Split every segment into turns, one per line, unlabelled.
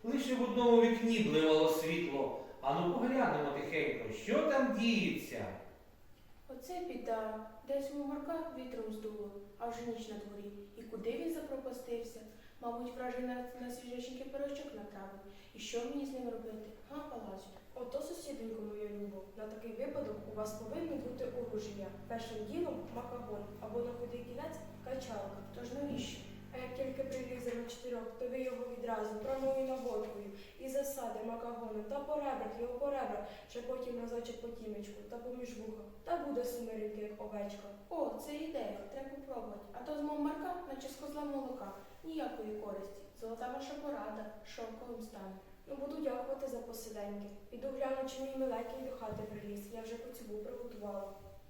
Лише в одному вікні бливало світло. Ану поглянемо тихенько, що там діється.
Оце біда. Десь у Марка вітром здуло, а вже ніч на дворі. І куди він запропастився? Мабуть, вражий на свіжеченький пирожок натравив. І що мені з ним робити? Га, Палазю?
Ото, сусідонько моя любов, на такий випадок у вас повинно бути оружія. Першим ділом макагон, або на худий кінець качалка.
Тож навіщо?
А як тільки прилізе на 4, то ви його відразу прямою наводкою і засади макагоном та по ребрах його по ребрах, ще потім разочок по тімечку та поміж вуха. Та буде сумиренький, як овечка.
О, це ідея, треба попробувати. А то з мого Марка, наче з козла молока. Ніякої користі. Золота ваша порада, шовковим стане.
Ну, буду дякувати за посиденьки. Піду гляну, чи мій миленький до хати приліз. Я вже коцюбу приготувала.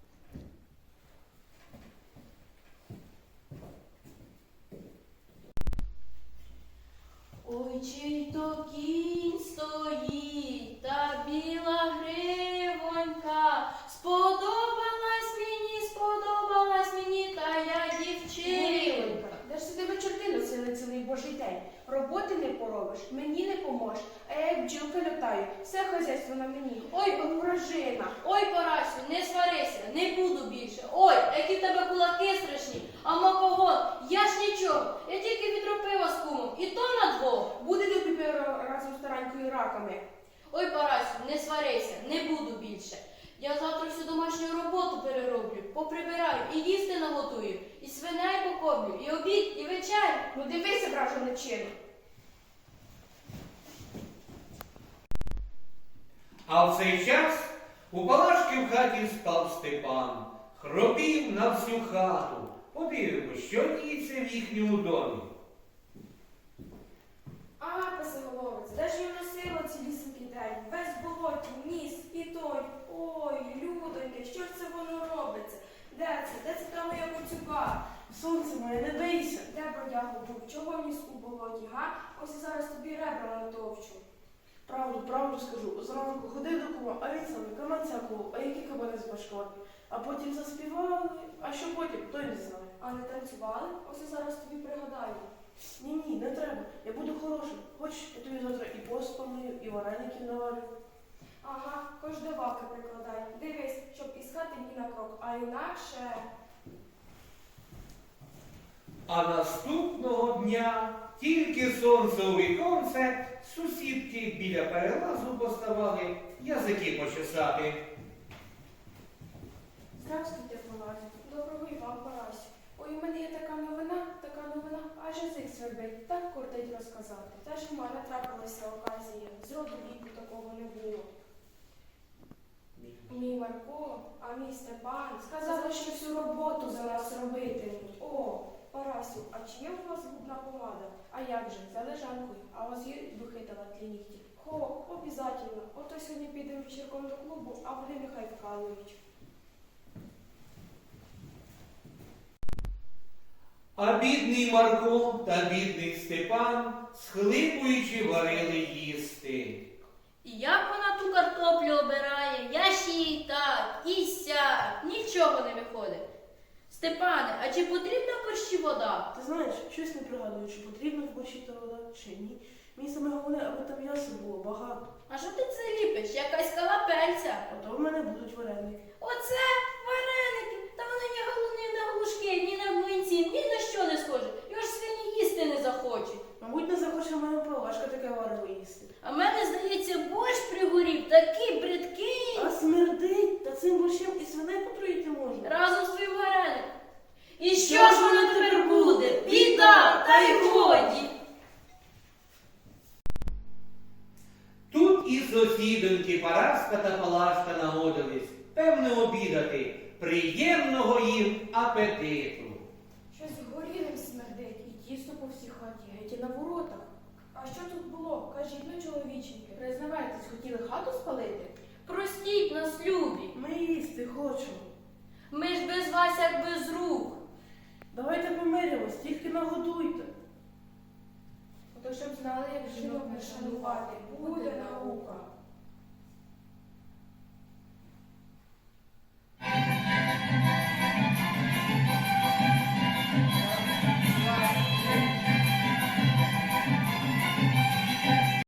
Ой, чий то кінь стоїть, та біла гривонька, сподобалась мені та я дівчинка.
Де ж ти тебе чорти носили цілий божий день? Роботи не поробиш, мені не поможеш, а я як бджілка літаю, все хазяйство на мені. Ой, вражина!
Ой, Парасю, не сварися, не буду більше. Ой, які в тебе кулаки страшні, а макогон, я ж нічого, я тільки відро пива з кумом, і то на двох.
Будете тепер разом з таранькою раками.
Ой, Парасю, не сварися, не буду більше. Я завтра всю домашню роботу перероблю, поприбираю і їсти наготую, і свиней покормлю, і обід, і вечерю.
Ну дивися, вражене чину.
А в цей час у Палашки в хаті спав Степан, хропів на всю хату. Подивимось, що діється в їхньому домі.
А, писоголовець, де ж я носила цілісінький день? Весь болоті, ніс і той. Ой, людоньки, що ж це воно робиться? Де це? Де це та моя коцюба?
Сонце моє, не бийся.
Де бродягу був? Чого ніс у болоті, га? Ось я зараз тобі ребра натовчу.
Правду скажу. Зранку ходив до кума, а він саме каманця колов, а які кабани з башками. А потім заспівали, а що потім, той не знає.
А не танцювали? Ось я зараз тобі пригадаю.
Ні, не треба. Я буду хорошим. Хочеш, я тобі завтра і пост помию, і вареників наварю.
Ага, хоч до ваки прикладай. Дивись, щоб із хати ні на крок, а інакше...
А наступного дня тільки сонце у віконце, сусідки біля перелазу поставали язики почесати.
Здравствуйте, Палазю.
Доброго і вам, Парасю.
Ой, у мене є така новина, аж язик свербить, так кортить розказати.
Теж у мене трапилася оказія. З роду віку такого не було. Мій Марко, а мій Степан сказали, що всю роботу за нас робитимуть. О, Парасю, а чи є у вас губна помада?
А як же, за лежанкою, а у вас є духи талантлі нігті?
Хо, обязательно. Ото сьогодні підемо вечірком до клубу, а вони нехай вкалують.
А бідний Марко та бідний Степан, схлипуючи, варили їсти.
І як вона ту картоплю обирає, я ж їй так, і сяк, нічого не виходить. Степане, а чи потрібна в борщі вода?
Ти знаєш, щось не пригадую, чи потрібно в борщі та вода, чи ні. Мені саме головне, аби там м'яса було багато.
А що ти це ліпиш? Якась калапельця?
А то в мене будуть вареники.
Оце вареники! Та вони ні ні на глушки, ні на млинці, ні на що не схоже. Його ж свині їсти не захочуть.
Мабуть, не захоче моя палашка таке варево їсти.
А в мене, здається, борщ пригорів, такий бридкий.
А смердить, та цим борщем і свиней потруїти можна.
Разом з твоїм вареником. І що ж воно тепер буде? Біда, та й годі.
Тут і сусідоньки Параска та Палашка нагодились, певно, обідати. Приємного їм апетиту.
Щось горілим смердить.
І тісто по всій хаті, геть і на воротах.
А що тут було? Кажіть, ну, чоловіченьки.
Признавайтесь, хотіли хату спалити?
Простіть нас, любі.
Ми їсти хочемо.
Ми ж без вас як без рук.
Давайте помиримось, тільки нагодуйте.
Ото щоб знали, як жінок не шанувати, буде наука.